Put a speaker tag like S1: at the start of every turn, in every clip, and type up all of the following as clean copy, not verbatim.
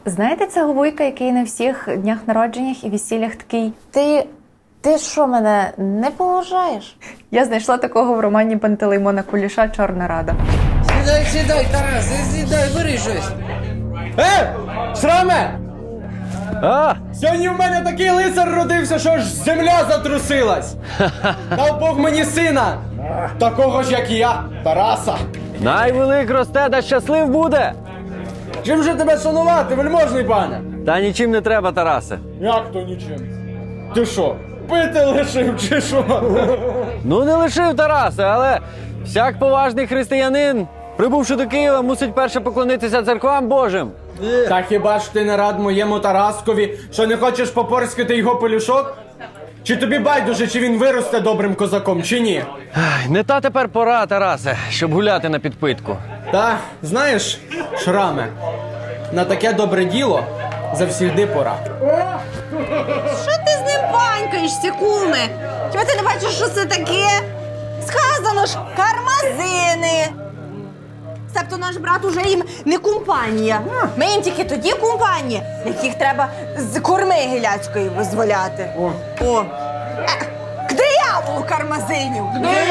S1: Знаєте цього вуйка, який на всіх днях народженнях і весіллях такий: Ти що, мене не поважаєш? Я знайшла такого в романі Пантелеймона Куліша «Чорна Рада».
S2: Сідай, Тарас, сідай, бери щось. Шраме! Сьогодні в мене такий лицар родився, що аж земля затрусилась. Дав Бог мені сина, такого ж, як і я, Тараса.
S3: Найвелик росте, да щаслив буде.
S2: Чим же тебе шанувати, вельможний пане?
S3: Та нічим не треба, Тарасе.
S2: Як то нічим? Ти що, пити лишив чи що?
S3: Ну не лишив, Тарасе, але всяк поважний християнин, прибувши до Києва, мусить перше поклонитися церквам Божим.
S2: Та хіба ж ти не рад моєму Тараскові, що не хочеш попорскати його пелюшок? Чи тобі байдуже, чи він виросте добрим козаком, чи ні?
S3: Ай, не та тепер пора, Тарасе, щоб гуляти на підпитку.
S2: Та, знаєш, Шраме, на таке добре діло завсігди пора.
S4: Що ти з ним панькаєшся, куме? Хіба ти не бачиш, що це таке? Сказано ж, кармазини. Себто наш брат уже їм не компанія. Ми їм тільки тоді компанія, яких треба з корми гіляцької визволяти. О. К дияволу кармазинів!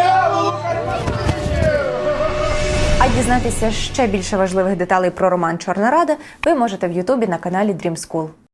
S1: А дізнатися ще більше важливих деталей про роман «Чорна Рада» ви можете в Ютубі на каналі Dream School.